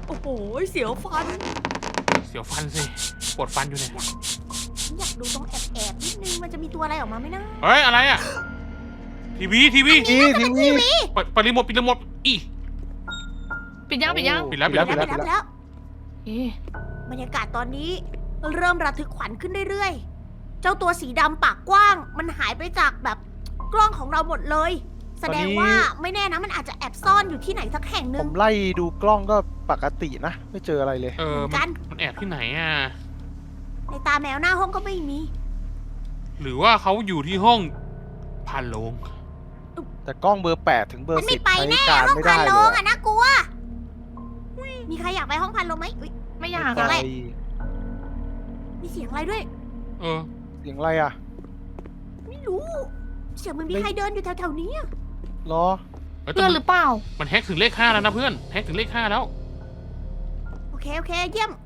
[SPEAKER 2] โอ้โหเสียวฟัน
[SPEAKER 1] เสียวฟันสิปวดฟันอยู่เนี่ย
[SPEAKER 2] ฉันอยากดูตรงแอบนิดนึงมันจะมีตัวอะไรออกมาไหมนะ
[SPEAKER 1] เฮ้ยอะไรอ่ะทีวี
[SPEAKER 4] ทีวี
[SPEAKER 1] เปิดรีโมทปิดรีโมทอี
[SPEAKER 3] ปิดยังปิดยัง
[SPEAKER 1] ปิดแล้ว
[SPEAKER 2] ไปแล้ว
[SPEAKER 3] เอ๊ะ
[SPEAKER 2] บรรยากาศตอนนี้เริ่มระทึกขวัญขึ้นเรื่อยๆ เจ้าตัวสีดำปากกว้าง มันหายไปจากแบบกล้องของเราหมดเลย แสดงว่าไม่แน่นะมันอาจจะแอบซ่อนอยู่ที่ไหนสักแห่งห
[SPEAKER 4] ผ
[SPEAKER 2] นึ่ง
[SPEAKER 4] มไล่ดูกล้องก็ปกตินะ ไม่เจออะไรเลย
[SPEAKER 2] เหมือนกัน
[SPEAKER 1] มันแอบที่ไหนอ่ะ
[SPEAKER 2] ในตาแมวหน้าห้องก็ไม่มี
[SPEAKER 1] หรือว่าเขาอยู่ที่ห้องผ่านโลง
[SPEAKER 4] แต่กล้องเบอร์ 8 ถึงเบอ
[SPEAKER 2] มัน
[SPEAKER 4] ร์
[SPEAKER 2] ไม่
[SPEAKER 4] 10
[SPEAKER 2] ไป
[SPEAKER 4] ใช้
[SPEAKER 2] แน่
[SPEAKER 4] การ
[SPEAKER 2] ห้อง
[SPEAKER 4] ไม่
[SPEAKER 2] พั
[SPEAKER 4] ได้
[SPEAKER 2] น
[SPEAKER 4] เล
[SPEAKER 2] โลง
[SPEAKER 4] ย
[SPEAKER 2] อะน่ากลัว มีใครอยากไปห้องพันโลงไหมอุ๊ย
[SPEAKER 3] ไม่อยาก
[SPEAKER 2] อะ
[SPEAKER 3] อะ
[SPEAKER 2] ไร มีเสียงอะไรด้วย
[SPEAKER 1] เออ
[SPEAKER 4] เสียงอะไรอ่ะ
[SPEAKER 2] ไม่รู้ เสียงมันมีใครเดินอยู่แถวๆนี้อะ
[SPEAKER 4] รอ
[SPEAKER 1] เฮ้ยแต่
[SPEAKER 3] เพื่อนหรือเปล่า
[SPEAKER 1] มันแฮกถึงเลข 5แล้วนะเพื่อนแฮกถึงเลข 5แล้ว
[SPEAKER 2] โอเคเยี่ยม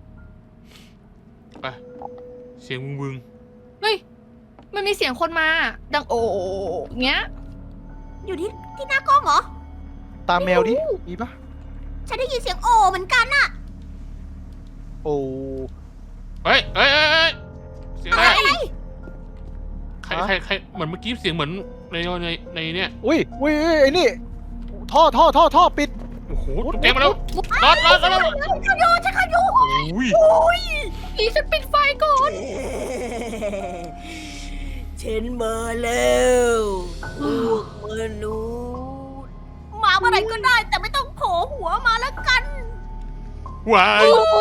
[SPEAKER 1] ไปเสียงวึง
[SPEAKER 3] เฮ้ย มันมีเสียงคนมา ดังโอ้เงี้ย
[SPEAKER 2] อยู่ที่หน้ากล้องเหรอ
[SPEAKER 4] ตามแมวดิ มีปะ
[SPEAKER 2] ฉันได้ยินเสียงโอเหมือนกันอะ
[SPEAKER 4] โอ้
[SPEAKER 1] เฮ้ยเสียง
[SPEAKER 2] อะ
[SPEAKER 1] อะไร
[SPEAKER 2] ไร
[SPEAKER 1] ใครเหมือนเมื่อกี้เสียงเหมือนในเนี่ย
[SPEAKER 4] อุ้ยไอ้นี่ท่อปิด
[SPEAKER 1] โอ้โหตุ๊กแกมาแล้วรอด
[SPEAKER 2] ฉันเข้าอยู่
[SPEAKER 1] โอ้ย
[SPEAKER 3] อีฉันปิดไฟก่อน
[SPEAKER 2] ฉันมาแล้วพวกมนุษย์มาเมื่อไหร่ก็ได้แต่ไม่ต้องโผล่หัวมาแล้วกัน
[SPEAKER 1] ว้าย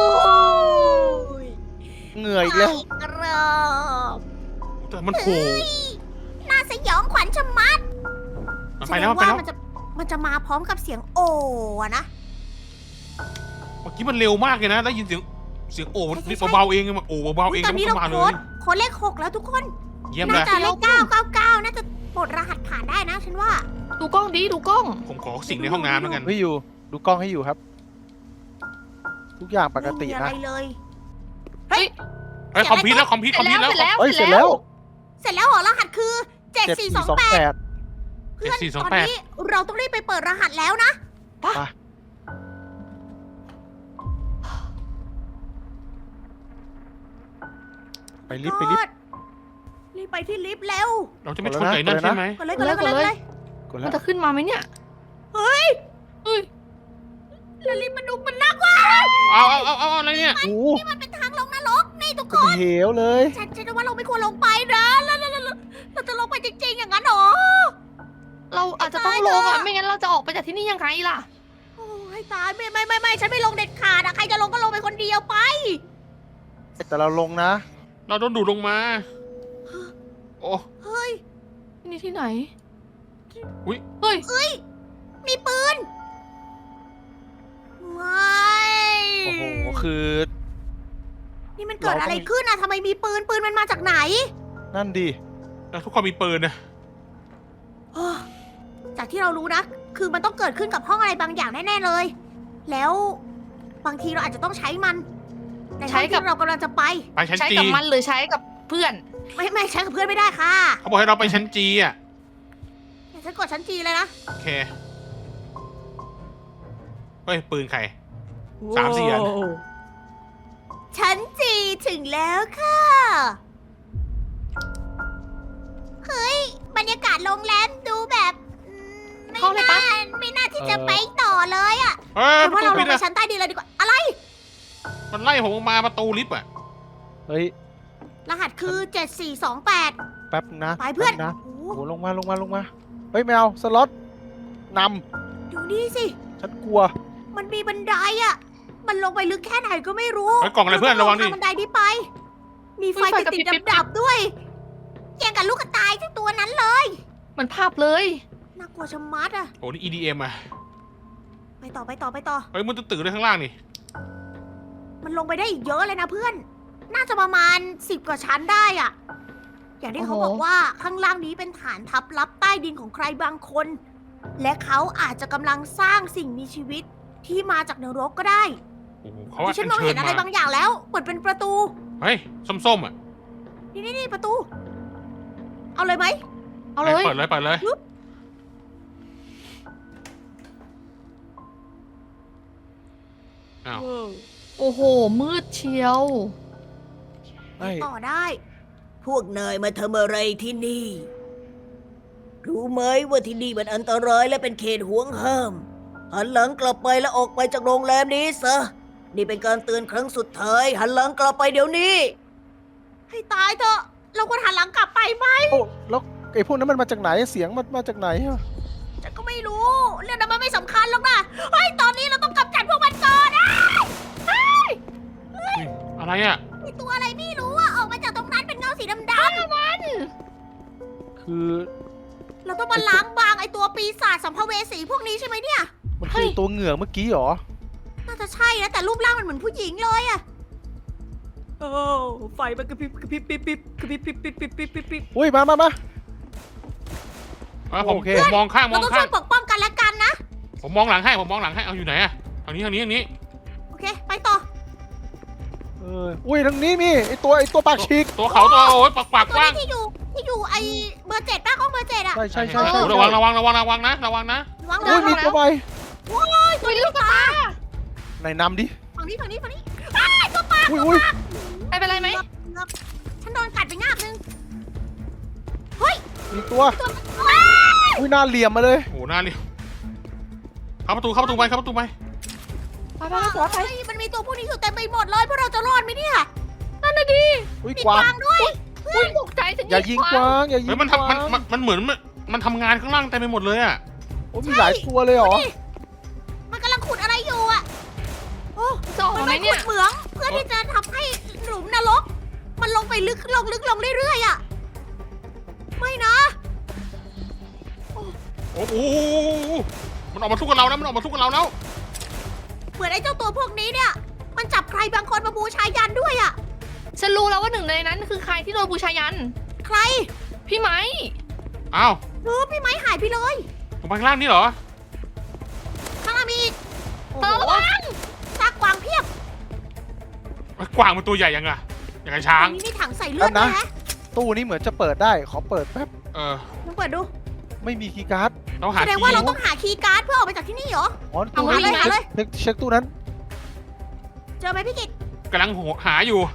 [SPEAKER 4] เหงื่ออีกแล้ว
[SPEAKER 2] ไกรอบ
[SPEAKER 1] แต่มันโผล่
[SPEAKER 2] น่าสยองขวัญชะมัด
[SPEAKER 1] มันไปแล้ว
[SPEAKER 2] แสดงามันจะมาพร้อมกับเสียงโออะนะ
[SPEAKER 1] เมื่อกี้มันเร็วมากเลยนะได้ยินเสียงโอ้นิดเบาๆเองมันโอ้เบาๆเอง
[SPEAKER 2] ตอนนี้
[SPEAKER 1] ก็
[SPEAKER 2] เรา
[SPEAKER 1] มาเล
[SPEAKER 2] โค้
[SPEAKER 1] ย
[SPEAKER 2] ดเลข 6 แล้วทุกคน
[SPEAKER 1] เยี่ยมเล
[SPEAKER 2] น่าย จะเลข999น่าจะปลดรหัสผ่านได้นะฉันว่า
[SPEAKER 3] ดูกล้องดิดูกล้อง
[SPEAKER 1] ผมขอสิ่งในห้องน้ำแล้วกัน
[SPEAKER 4] ไม่อยู่ ดูกล้องให้อยู่ครับ ทุกอย่างปกติ
[SPEAKER 2] ไม่มีอะไร
[SPEAKER 4] นะ
[SPEAKER 2] เลย
[SPEAKER 1] เฮ้ยคอมพิวต์แล้วคอมพิวต์แล้ว
[SPEAKER 4] เอ้ย เสร็จแล้ว
[SPEAKER 2] เสร็จแล้วเหรอรหัสคือ 7428
[SPEAKER 4] 7428
[SPEAKER 2] เพื่อนตอนนี้เราต้องรีบไปเปิดรหัสแล้วนะ
[SPEAKER 4] ไปลิฟต์
[SPEAKER 2] รีบไปที่ลิฟต์เร็ว
[SPEAKER 1] เราจะไม่ชนไก่นั่นใช่ไหม
[SPEAKER 2] กดเลย
[SPEAKER 4] กด
[SPEAKER 3] มั
[SPEAKER 4] แล้
[SPEAKER 3] น
[SPEAKER 4] ว
[SPEAKER 3] จะขึ้นมาไหมเนี่ย
[SPEAKER 2] เฮ้ย
[SPEAKER 3] เฮ้ย
[SPEAKER 2] แล้วลิฟต์มันดูมันน่ากลัว
[SPEAKER 1] เอาอะไรเนี่ย
[SPEAKER 4] โอ้
[SPEAKER 2] นี่มันเป็นทางลงนรกนี่ทุกค
[SPEAKER 4] เป็น
[SPEAKER 2] น
[SPEAKER 4] เหวเลย
[SPEAKER 2] ฉันว่าเราไม่ควรลงไปนะแล้วเราจะลงไปจริงๆอย่างนั้นเหรอ
[SPEAKER 3] เราอาจจะต้องลงอ่ะ ไม่งั้นเราจะออกไปจากที่นี่ยังไงล่ะ
[SPEAKER 2] โอ้ยตายไม่ฉันไม่ลงเด็ดขาดอะใครจะลงก็ลงไปคนเดียวไป
[SPEAKER 4] แต่เราลงนะ
[SPEAKER 1] เราโดนดูดลงมา โอ้
[SPEAKER 2] เฮ้ย
[SPEAKER 3] ที่นี่ที่ไหน
[SPEAKER 1] อุ๊ย
[SPEAKER 3] เฮ้ย
[SPEAKER 2] มีปืนไม่
[SPEAKER 4] โอ้โห คือ
[SPEAKER 2] นี่มันเกิดอะไรขึ้นอะทำไมมีปืนมันมาจากไหน
[SPEAKER 4] นั่นดิ
[SPEAKER 1] แล้วทุกคนมีปืนนะ
[SPEAKER 2] จากที่เรารู้นะ คือมันต้องเกิดขึ้นกับห้องอะไรบางอย่างแน่ๆเลย แล้วบางทีเราอาจจะต้องใช้มันในห้องที่เรากำลังจะไป
[SPEAKER 1] ไปชั้น
[SPEAKER 3] ใช้
[SPEAKER 1] จี
[SPEAKER 3] กับมันหรือใช้กับเพื่อน
[SPEAKER 2] ไม่ใช้กับเพื่อนไม่ได้ค่ะ
[SPEAKER 1] เขาบอกให้เราไปชั้นจีอ่ะ
[SPEAKER 2] เดี๋ยวฉันกดชั้นจีเลยนะ
[SPEAKER 1] โอเคเฮ้ยปืนใคร 3-4 อัน
[SPEAKER 2] ชั้นจีถึงแล้วค่ะ เฮ้ย บรรยากาศโรงแรมดูแบบไม่
[SPEAKER 3] เข้าเลยปะ
[SPEAKER 2] ไม่น่าที่จะไปต่อเลยอะ
[SPEAKER 1] เฮ้ย
[SPEAKER 2] แต่
[SPEAKER 1] ประ
[SPEAKER 2] ว่า
[SPEAKER 1] ตู
[SPEAKER 2] เราล
[SPEAKER 1] ปิด
[SPEAKER 2] งไป
[SPEAKER 1] อะ
[SPEAKER 2] ชั้นใต้ดินเลยดีกว่า อะไร
[SPEAKER 1] มันไล่ผมออกมาประตูลิฟต์อ่ะ
[SPEAKER 4] เฮ้ย
[SPEAKER 2] รหัสคือ 7428
[SPEAKER 4] แป๊บนะ
[SPEAKER 2] ไปเพื่อน
[SPEAKER 4] แป๊บนะ
[SPEAKER 2] โอ้
[SPEAKER 4] โอ้โหลงมา เฮ้ยแมวสล็อตน
[SPEAKER 2] ดูนี่สิ
[SPEAKER 4] ำฉันกลัว
[SPEAKER 2] มันมีบันไดอะมันลงไปลึกแค่ไหนก็ไม่รู้
[SPEAKER 1] เฮ้ยกล่องอะไรเพื่อนระวังดิ
[SPEAKER 2] ทางบันไดนี้ไป มีไฟ
[SPEAKER 3] มีไฟ
[SPEAKER 2] ติด
[SPEAKER 3] กระพริบ
[SPEAKER 2] ๆดับๆด้วยแย่งกับลูกกระต่ายทั้งตัวนั้นเลย
[SPEAKER 3] เหมือนภาพเลย
[SPEAKER 2] น่ากลัวชะมัดอะ
[SPEAKER 1] โอ้นี่ EDM อ่ะ
[SPEAKER 2] ไปต่อ
[SPEAKER 1] เฮ้ยมันตื่นเลยข้างล่างนี่
[SPEAKER 2] มันลงไปได้อีกเยอะเลยนะเพื่อน น่าจะประมาณ10 กว่าชั้นได้อะอย่างที่เขา
[SPEAKER 3] โอ้โห
[SPEAKER 2] บอกว่าข้างล่างนี้เป็นฐานทัพลับใต้ดินของใครบางคน และเขาอาจจะกำลังสร้างสิ่งมีชีวิตที่มาจากนรกก็ได้
[SPEAKER 1] โอ้โหเขาว่า
[SPEAKER 2] ดิฉันมอง
[SPEAKER 1] เชิ
[SPEAKER 2] เห็
[SPEAKER 1] ญ
[SPEAKER 2] นอะไร
[SPEAKER 1] มา
[SPEAKER 2] บางอย่างแล้วเหมือนเป็นประตู
[SPEAKER 1] เฮ้ยส้มๆอ่ะ
[SPEAKER 2] นี่ประตู เอาเลยไหม
[SPEAKER 3] เอาเลย
[SPEAKER 1] เปิดเลย
[SPEAKER 2] เ
[SPEAKER 1] อ้าว
[SPEAKER 3] โอ้โห มืดเชียว
[SPEAKER 4] ไอ้
[SPEAKER 2] ต่อได้ พวกนายมาทำอะไรที่นี่ รู้ไหมว่าที่นี่มันอันตรายและเป็นเขตห่วงห้าม หันหลังกลับไปแล้วออกไปจากโรงแรมนี้ซะ นี่เป็นการเตือนครั้งสุดท้าย หันหลังกลับไปเดี๋ยวนี้ ให้ตายเถอะ เราควรหันหลังกลับไปไหม
[SPEAKER 4] โอ้แล้วไอ้พวกนั้นมันมาจากไหนเสียงมันมาจากไหนอะ
[SPEAKER 2] ฉันก็ไม่รู้ เรื่องนั้นมันไม่สำคัญหรอกนะ เฮ้ย ตอนนี้เราต้องกำจัดพวกมันก่อนอ้ายเฮ้ย
[SPEAKER 1] อะไรอ่ะ
[SPEAKER 2] มีตัวอะไรไม่รู้อะออกมาจากตรงนั้นเป็นเงาสีดำ
[SPEAKER 4] คือ
[SPEAKER 2] ๆเราต้องมาล้างบางไอตัวปีศาจสัมภเวสีพวกนี้ใช่ไหมเนี่ย
[SPEAKER 4] มันคือตัวเหงือกเมื่อกี้เหรอ
[SPEAKER 2] น่าจะใช่นะแต่รูปร่างมันเหมือนผู้หญิงเลยอะโอ้ไฟมันกระพริบกระพริบปิ๊บปิ๊บกระพริบปิ๊บปิ๊บปิ๊บปิ๊บปิ๊บปิ๊บ
[SPEAKER 4] อุ้ยมา
[SPEAKER 1] ผม
[SPEAKER 4] โอเค
[SPEAKER 1] ผมมองข้างม
[SPEAKER 2] เรา
[SPEAKER 1] อง
[SPEAKER 2] ต้อง
[SPEAKER 1] ข้า
[SPEAKER 2] ช่ว
[SPEAKER 1] ง
[SPEAKER 2] ยปกป้องกันและกันนะ
[SPEAKER 1] ผมมองหลังให้เอาอยู่ไหนอะทางนี้
[SPEAKER 2] โอเค ไปต่อ
[SPEAKER 4] อุ้ยทางนี้มีไอ้ตัวปากฉีก
[SPEAKER 1] ตัวเขาตัวโอ้ยปาก
[SPEAKER 2] ตัว
[SPEAKER 1] กว้าง
[SPEAKER 2] นี้ที่อยู่ไอเบอร์ 7ป้าของเบอร์ 7อะ
[SPEAKER 4] ใช่
[SPEAKER 1] โอ้ระวังนะระวังนะ
[SPEAKER 2] ระวัง
[SPEAKER 4] อุ้ยมีตัวใบ
[SPEAKER 2] ตัวนี้ลูกตา
[SPEAKER 4] ไหนนำดิ
[SPEAKER 2] ฝั่งนี้อ้ายตัวปลา
[SPEAKER 4] อุ้ย
[SPEAKER 3] ไม่เป็นไรไหม
[SPEAKER 2] ฉันโดนกัดไปงาบนึง
[SPEAKER 4] มีตัว
[SPEAKER 2] ตัวว้าย
[SPEAKER 4] อุ้ยหน้าเหลี่ยมมาเลย
[SPEAKER 1] โอ้หน้าเรียวเข้าประตูไป
[SPEAKER 3] ไปไปไปไป
[SPEAKER 2] เฮ้ยมันมีตัวพวกนี้อยู่เต็มไปหมดเลยพวกเราจะรอดไหมเนี่ย
[SPEAKER 3] นั่นน่ะดิ
[SPEAKER 4] อุ้ย
[SPEAKER 2] มี
[SPEAKER 4] กวาง
[SPEAKER 2] กวางด้วย
[SPEAKER 3] อุ้ยตกใจฉัน
[SPEAKER 4] อย่ายิงกวางอย่ายิง
[SPEAKER 1] เฮ้ย
[SPEAKER 4] ก
[SPEAKER 1] มัน
[SPEAKER 4] วาง
[SPEAKER 1] ทำมันเหมือนมันทำงานข้างล่างเต็มไปหมดเลยอะ
[SPEAKER 4] โอ้มีหลายตัวเลยเหรอ
[SPEAKER 2] นี่มันกำลังขุดอะไรอยู่อะโอ้
[SPEAKER 3] จะออก
[SPEAKER 2] มัน
[SPEAKER 3] ไหม
[SPEAKER 2] ไป
[SPEAKER 3] เนี่
[SPEAKER 2] ขุ
[SPEAKER 3] ย
[SPEAKER 2] ดเหมืองเพื่อที่จะทำให้หลุมนรก มันลงไปลึกลงเรื่อยๆอะไม่นะ
[SPEAKER 1] โอ้โหมันออกมาสู้กับเราแล้ว
[SPEAKER 2] เหมือนไอ้เจ้าตัวพวกนี้เนี่ย มันจับใครบางคนมาบูชายันด้วยอะ
[SPEAKER 3] ฉันรู้แล้วว่าหนึ่งในนั้นคือใครที่โดนบูชายัน
[SPEAKER 2] ใคร
[SPEAKER 3] พี่ไม้
[SPEAKER 1] อ้าว
[SPEAKER 2] พี่ไม้หายไปเลย
[SPEAKER 1] ตรงไปข้างล่างนี่เหรอ
[SPEAKER 2] ข้างล่างมีอีกโอ้
[SPEAKER 3] เธอ
[SPEAKER 2] โห
[SPEAKER 3] ระวัง
[SPEAKER 2] ซากกวางเพียบ
[SPEAKER 1] กวางมันตัวใหญ่ยังไงอย่างไงช้า
[SPEAKER 2] ตรง งนี้มีถังใส่เลือดด้วยนะ
[SPEAKER 4] ตู้นี้เหมือนจะเปิดได้ขอเปิดแป๊บ
[SPEAKER 2] ลองเปิดดู
[SPEAKER 4] ไม่มีคีย์การ์ด
[SPEAKER 1] เราหา
[SPEAKER 2] แสดง
[SPEAKER 1] ที่
[SPEAKER 2] ว่าเราต้องหาคีย์การ์ดเพื่อออกไปจากที่นี่เหรอ
[SPEAKER 4] อ๋อตู้นี้
[SPEAKER 2] เอาเลย
[SPEAKER 4] เช็คตู้นั้น
[SPEAKER 2] เจอไหมพี่กิต
[SPEAKER 1] กำลังหาอยู่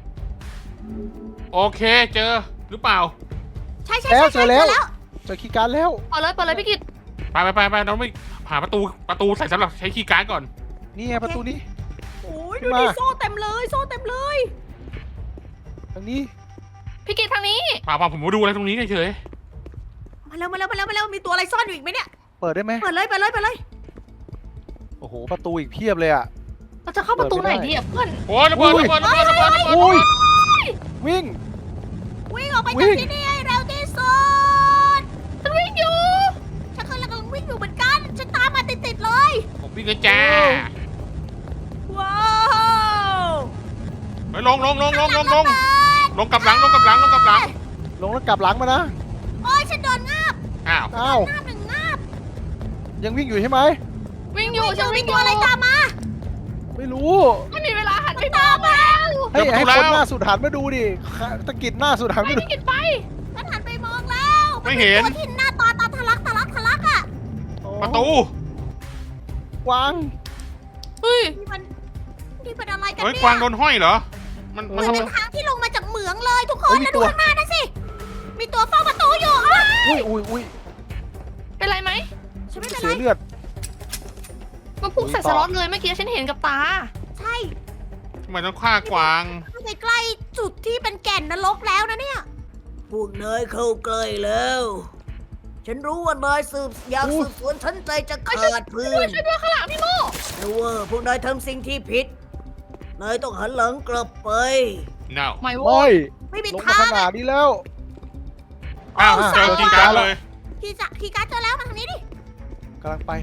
[SPEAKER 1] โอเคเจอหรือเปล่า
[SPEAKER 2] ใช่
[SPEAKER 4] เจอแล้ว
[SPEAKER 2] แล้ว
[SPEAKER 4] เจอคีย์การ์ดแล้ว
[SPEAKER 3] เปิดเลยพี่กิต
[SPEAKER 1] ไปเราไม่หาประตูใส่สำหรับใช้คีย์การ์ดก่อน
[SPEAKER 4] นี่ไงประตูนี้
[SPEAKER 2] โอ้ย
[SPEAKER 4] ขึ้
[SPEAKER 2] ดู
[SPEAKER 4] นมา
[SPEAKER 2] ดิโซ่เต็มเลยโซ่เต็มเลย
[SPEAKER 4] ทางนี้
[SPEAKER 3] พี่กิตทางนี้
[SPEAKER 1] เปล่าผมมาดูอะไรตรงนี้เฉย
[SPEAKER 2] มาแล้วมีตัวอะไรซ่อนอยู่อีกไหมเนี่ย
[SPEAKER 4] เปิดได้ไหม
[SPEAKER 2] เปิดเลย
[SPEAKER 4] โอ้โหประตูอีกเพียบเลยอ่ะ
[SPEAKER 3] เราจะเข้าประตูไหนดีอ่ะเพื่อน
[SPEAKER 1] ๆโอ้ยระเบิด
[SPEAKER 4] อุ้ยวิ่ง
[SPEAKER 2] วิ่งออกไป
[SPEAKER 4] วิ่
[SPEAKER 2] จาก
[SPEAKER 4] ง
[SPEAKER 2] ที่นี่ให้เร็วที่สุด
[SPEAKER 3] ฉันวิ่งอยู่
[SPEAKER 2] ฉันกำลังวิ่งอยู่เหมือนกันฉันตามมาติดเลย
[SPEAKER 1] ผมวิ่งเลยจ้า
[SPEAKER 2] ว้าว
[SPEAKER 1] ไปลงกลับหลัง
[SPEAKER 4] ลงแล้วกลับหลังมานะ
[SPEAKER 2] โอ้ยฉันโดนงาบ
[SPEAKER 1] อ้าว
[SPEAKER 4] อ้าว
[SPEAKER 2] งาบหนึ่งงาบ
[SPEAKER 4] ยังวิ่งอยู่ใช่ไหม
[SPEAKER 3] วิ่งอยู่ฉัน
[SPEAKER 2] มี
[SPEAKER 3] วิ่งอ
[SPEAKER 2] ตั
[SPEAKER 3] ยู่
[SPEAKER 2] วอะไรตามมา
[SPEAKER 4] ไม่รู้
[SPEAKER 3] ไม่มีเวลาหันไปมองแล้ว
[SPEAKER 4] ให้คนหน้าสุดหันมาดูดิตะกิดหน้าสุดหัน
[SPEAKER 3] ไป
[SPEAKER 4] มาดู
[SPEAKER 3] พี่กิตไป
[SPEAKER 2] ฉันหันไปมองแล้ว
[SPEAKER 1] ไม่เห็น
[SPEAKER 2] ตัวที่หน้าตาทะลักอะ
[SPEAKER 1] ประตู
[SPEAKER 4] กวาง
[SPEAKER 3] เฮ้ย
[SPEAKER 2] นี่มันอะไรกัน
[SPEAKER 1] เฮ้ย
[SPEAKER 2] เนี่ย
[SPEAKER 1] กวางโดนห้อยเหรอมัน
[SPEAKER 2] เหมือน
[SPEAKER 1] ทำ
[SPEAKER 2] เป็นทางที่ลงมาจากเหมืองเลยทุกคน
[SPEAKER 4] เฮ้ยมี
[SPEAKER 2] แล้วดู
[SPEAKER 4] ตัว
[SPEAKER 2] ข้างหน้านะสิ มีตัวเฝ้าประตูอยู่อ้าว
[SPEAKER 4] อุ้ย
[SPEAKER 2] ฉันไม่
[SPEAKER 4] เสี
[SPEAKER 2] เป็น
[SPEAKER 4] ย
[SPEAKER 2] ไร
[SPEAKER 4] เลือด
[SPEAKER 3] มันพุ่งใส่สล็อตเลยเมื่อกี้ฉันเห็นกับตา
[SPEAKER 2] ใช่
[SPEAKER 1] ทำไมต้องฆ่ากวาง
[SPEAKER 2] ไปใกล้จุดที่เป็นแก่นนรกแล้วนะเนี่ย พวกนายเข้าใกล้แล้ว ฉันรู้ว่านายอยากสืบสวนฉันใจจะขาดพื้น
[SPEAKER 3] ช่วยด้วยข้างหลังพี่โม
[SPEAKER 2] แต่ว่าพวกนายทำสิ่งที่ผิด นายต้องหันหลังกลับไป
[SPEAKER 1] no
[SPEAKER 3] ไม่
[SPEAKER 4] ไม่
[SPEAKER 3] โว้ย
[SPEAKER 2] ไม่มี
[SPEAKER 4] ลงมา
[SPEAKER 2] ทา
[SPEAKER 4] ข
[SPEAKER 2] ง
[SPEAKER 4] นาดนี้แล้ว
[SPEAKER 1] อ้าวเจอคีย์การ์ดเลย
[SPEAKER 2] คีย์การ์ดเจอแล้วมาทางนี้ดิ
[SPEAKER 4] กำลังไป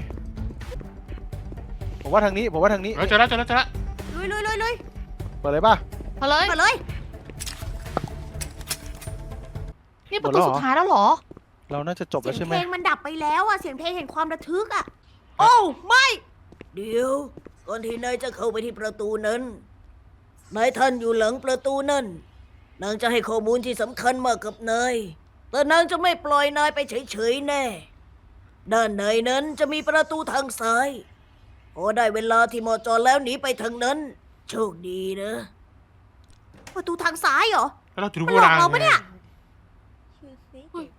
[SPEAKER 4] ผมว่าทางนี้
[SPEAKER 1] เจอแล้ว
[SPEAKER 2] ลุย
[SPEAKER 4] เปิดเลยป่ะ
[SPEAKER 3] มาเลย
[SPEAKER 2] มาเลย
[SPEAKER 3] นี่ประตูสุดท้ายแล้วเหรอ
[SPEAKER 4] เราน่าจะจบ
[SPEAKER 2] เสี
[SPEAKER 4] แล้
[SPEAKER 2] ยว ง
[SPEAKER 4] ใช่ไห
[SPEAKER 2] เพ
[SPEAKER 4] ม
[SPEAKER 2] ลงมันดับไปแล้วอะเสียงเพลงเห็นความระทึกอะโอ้ไม่ เดี๋ยวก่อนที่นายจะเข้าไปที่ประตูนั้น นายท่านอยู่หลังประตูนั่น นางจะให้ข้อมูลที่สำคัญมากกับนาย แต่นางจะไม่ปล่อยนายไปเฉยๆแน่ ด้านในนั้นจะมีประตูทางซ้ายโอ้ได้เวลาที่หมอจอแล้วหนีไปทางนั้น โชคดีนะ ประตูทางซ้ายเหรอ
[SPEAKER 1] แล้วเราจะรู้
[SPEAKER 2] มัน
[SPEAKER 1] ว่า
[SPEAKER 2] หลอกเราปะเนี่ย
[SPEAKER 5] You think it?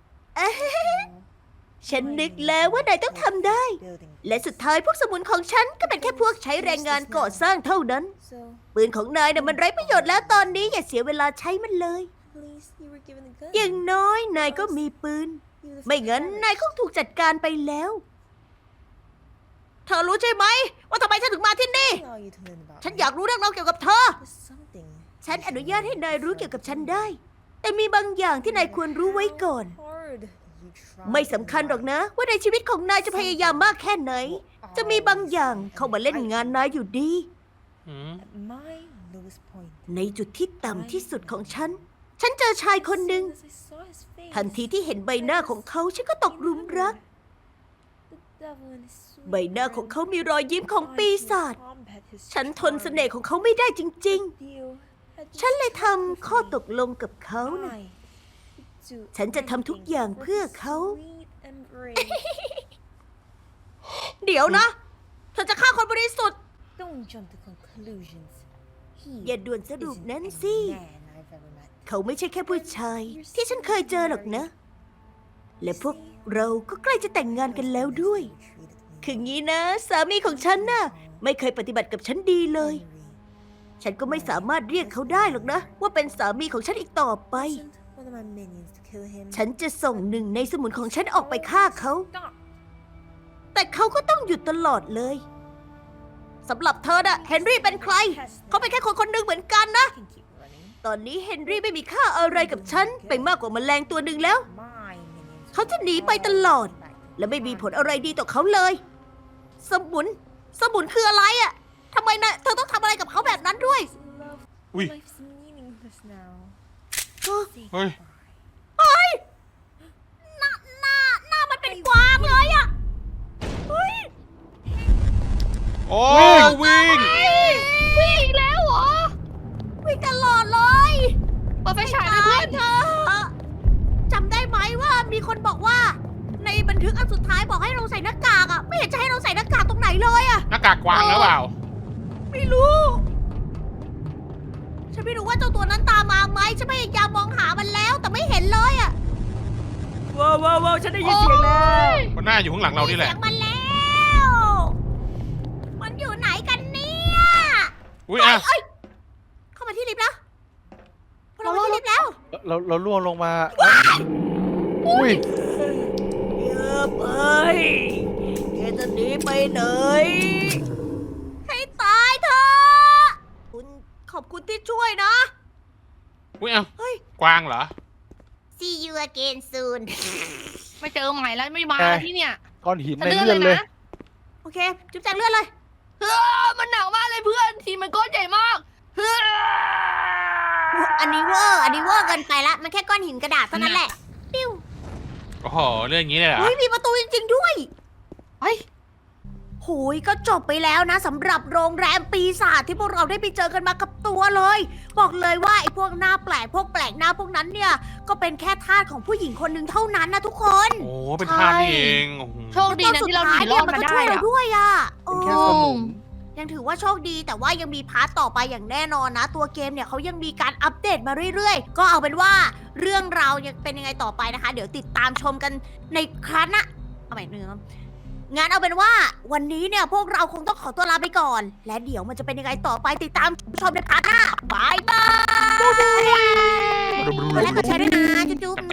[SPEAKER 2] ฉันนึกแล้วว่านายต้องทำได้ และสุดท้ายพวกสมุนของฉันก็เป็นแค่พวกใช้แรงงานก่อสร้างเท่านั้น
[SPEAKER 5] So,
[SPEAKER 2] ปืนของนายน่ะมันไร้ประโยชน์แล้วตอนนี้อย่าเสียเวลาใช้มันเลย
[SPEAKER 5] at least you were given a gun.
[SPEAKER 2] อย่างน้อยนายก็มีปืน
[SPEAKER 5] You the
[SPEAKER 2] ไม่งั้น
[SPEAKER 5] first
[SPEAKER 2] นายคงถูกจัดการไปแล้ว เธอรู้ใช่ไหม ว่าทำไมฉันถึงมาที่นี่
[SPEAKER 5] What are you to learn about
[SPEAKER 2] ฉัน
[SPEAKER 5] me?
[SPEAKER 2] อยากรู้เรื่องราวเกี่ยวกับเธอ
[SPEAKER 5] There's something.
[SPEAKER 2] ฉันอนุญาตให้นายรู้เกี่ยวกับฉันได้ แต่มีบางอย่างที่นายควรรู้ไว้ก่อน
[SPEAKER 5] Hard. You tried
[SPEAKER 2] ไม่สำคัญหรอกนะ ว่าในชีวิตของนายจะพยายามมากแค่ไหน จะมีบางอย่างเข้ามาเล่นงานนายอยู่ดี
[SPEAKER 1] อืม
[SPEAKER 5] At my lowest point.
[SPEAKER 2] ในจุดที่ต่ำที่สุดของฉัน ฉันเจอชายคนหนึ่ง
[SPEAKER 5] As I saw his face,
[SPEAKER 2] ทันทีที่เห็นใบหน้าของเขาฉันก็ตกหลุมรัก
[SPEAKER 5] the devil in his sweet
[SPEAKER 2] ใบหน้าของ
[SPEAKER 5] grin.
[SPEAKER 2] เขามีรอยยิ้มของ
[SPEAKER 5] I
[SPEAKER 2] ปี
[SPEAKER 5] could
[SPEAKER 2] ศาจ
[SPEAKER 5] combat his
[SPEAKER 2] ฉันทน
[SPEAKER 5] charm.
[SPEAKER 2] เสน่ห์ของเขาไม่ได้จริง
[SPEAKER 5] Deal had
[SPEAKER 2] ๆ ฉันเลยทำ
[SPEAKER 5] just
[SPEAKER 2] ข้อ
[SPEAKER 5] with
[SPEAKER 2] ตกลงกับเขา
[SPEAKER 5] me.
[SPEAKER 2] นะ
[SPEAKER 5] I would do
[SPEAKER 2] ฉันจะทำทุกอย่าง
[SPEAKER 5] anything
[SPEAKER 2] เพื่อ
[SPEAKER 5] for his
[SPEAKER 2] เขา
[SPEAKER 5] sweet embrace.
[SPEAKER 2] เดี๋ยวนะ เธอจะฆ่าคนบริสุทธิ์
[SPEAKER 5] Don't jump to conclusions. He
[SPEAKER 2] อย่าด่วนสรุป
[SPEAKER 5] isn't
[SPEAKER 2] นั้น
[SPEAKER 5] any
[SPEAKER 2] สิ
[SPEAKER 5] man I've ever met.
[SPEAKER 2] เขาไม่ใช่แค่ผู้ชาย ที่ฉันเคยเจอหรอกนะ และพวกเราก็ใกล้จะแต่งงานกันแล้วด้วย คืองี้นะ สามีของฉันน่ะ ไม่เคยปฏิบัติกับฉันดีเลย ฉันก็ไม่สามารถเรียกเขาได้หรอกนะ ว่าเป็นสามีของฉันอีกต่อไป
[SPEAKER 5] One of my minions to kill him.
[SPEAKER 2] ฉันจะส่งหนึ่งในสมุนของฉันออกไปฆ่าเขา
[SPEAKER 5] Stop.
[SPEAKER 2] แต่เขาก็ต้องหยุดตลอดเลยสำหรับเธอน่ะเฮนรี่เป็นใคร เขาเป็นแค่คนคนหนึ่งเหมือนกันนะ
[SPEAKER 5] I can keep running.
[SPEAKER 2] ตอนนี้เฮนรี่ไม่มีค่าอะไรกับฉันไปมากกว่าแมลงตัวหนึ่งแล้ว
[SPEAKER 5] My minions.
[SPEAKER 2] เขาจะหนีไปตลอด และไม่มีผลอะไรดีต่อเขาเลย สมุน สมุนคืออะไรอะทำไมนะเธอต้องทำอะไรกับเขาแบบนั้นด้วย
[SPEAKER 5] Love.
[SPEAKER 1] อุ้ย
[SPEAKER 5] Life's meaningless now.
[SPEAKER 1] เฮ้ย
[SPEAKER 2] เฮ้ยหน้ามันเป็นกวางเลยอะเฮ้ย
[SPEAKER 1] โอ้วิ่ง
[SPEAKER 3] วิ่งอีกแล้วเหรอ
[SPEAKER 2] วิ่งตลอดเลย
[SPEAKER 3] เปิดไฟฉายเลยเพื่อน
[SPEAKER 2] เธอจำได้ไหมว่ามีคนบอกว่า ในบันทึกอันสุดท้ายบอกให้เราใส่หน้ากากอะไม่เห็นจะให้เราใส่หน้ากากตรงไหนเลยอะ
[SPEAKER 1] หน้ากากกวางหรือเปล่า
[SPEAKER 2] ไม่รู้ ฉันไม่รู้ว่าเจ้าตัวนั้นตามมาไหมฉันพยายามมองหามันแล้วแต่ไม่เห็นเลยอะว้าวฉันได้ยินเสียงแล้ว
[SPEAKER 1] มันน่าอยู่ข้างหลังเรานี่แหละ
[SPEAKER 2] เสียงมันแล้ว มันอยู่ไหนกันเนี่ย
[SPEAKER 1] อุ้ยอ่ะ
[SPEAKER 2] เอ้ยเข้ามาที่ลิฟต์แล้วเรามาที่ลิฟต์แล้ว
[SPEAKER 4] เราล่วงลงมาอุ้ย
[SPEAKER 2] เยอะไปแกจะหนีไปไหน ให้ตายเถอะขอบคุณที่ช่วยนะ
[SPEAKER 1] อุ้ยอ่ะ
[SPEAKER 2] เฮ้ย
[SPEAKER 1] กวางเหรอ
[SPEAKER 2] See you again soon
[SPEAKER 3] ไม่เจอใหม่แล้วไม่มาที่เนี่ย
[SPEAKER 4] ก้อนหิน
[SPEAKER 3] จะ
[SPEAKER 4] ใน
[SPEAKER 3] เลื่อน
[SPEAKER 4] เลื่
[SPEAKER 3] เล
[SPEAKER 4] อน
[SPEAKER 3] ย
[SPEAKER 4] เลย
[SPEAKER 3] นะ
[SPEAKER 2] โอเค จุ๊บแจงเลื่อนเลย
[SPEAKER 3] มันหนาวมากเลยเพื่อนทีมันก้อนใหญ่มาก
[SPEAKER 2] อันนี้เวอร์เกินไปละ มันแค่ก้อนหินกระดาษเท่านั้นแหละ ปิ้ว
[SPEAKER 1] โอ้โห เรื่องอย่างนี้เลยเหรอ
[SPEAKER 2] เฮ้ย มีประตูจริงๆด้วย
[SPEAKER 3] เฮ้ย
[SPEAKER 2] โหยก็จบไปแล้วนะสำหรับโรงแรมปีศาจที่พวกเราได้ไปเจอกันมากับตัวเลย บอกเลยว่าไอ้พวกหน้าแปลกพวกแปลกหน้าพวกนั้นเนี่ย ก็เป็นแค่ทาสของผู้หญิงคนหนึ่งเท่านั้นนะทุกคน
[SPEAKER 1] โอ้เป็นท่านี่เองโอ้โห
[SPEAKER 3] โชคดีนะที่เราหนีรอด
[SPEAKER 2] มัน
[SPEAKER 3] มา
[SPEAKER 2] ก็
[SPEAKER 3] ได้
[SPEAKER 2] ช่วยเรา
[SPEAKER 3] อะ
[SPEAKER 2] ด้วยอ่ะ
[SPEAKER 4] เป็นแค่สมุน
[SPEAKER 2] ยังถือว่าโชคดีแต่ว่ายังมีพาร์ทต่อไปอย่างแน่นอนนะ ตัวเกมเนี่ยเขายังมีการอัปเดตมาเรื่อยๆ ก็เอาเป็นว่าเรื่องราวยังเป็นยังไงต่อไปนะคะ เดี๋ยวติดตามชมกันในครั้งหน้าเอาใหม่หนึ่งงั้นเอาเป็นว่าวันนี้เนี่ยพวกเราคงต้องขอตัวลาไปก่อน และเดี๋ยวมันจะเป็นยังไงต่อไปติดตามชมในพาร์ทหน้าบายบายกดไลค์กดแชร์ด้วยนะจุ๊บๆ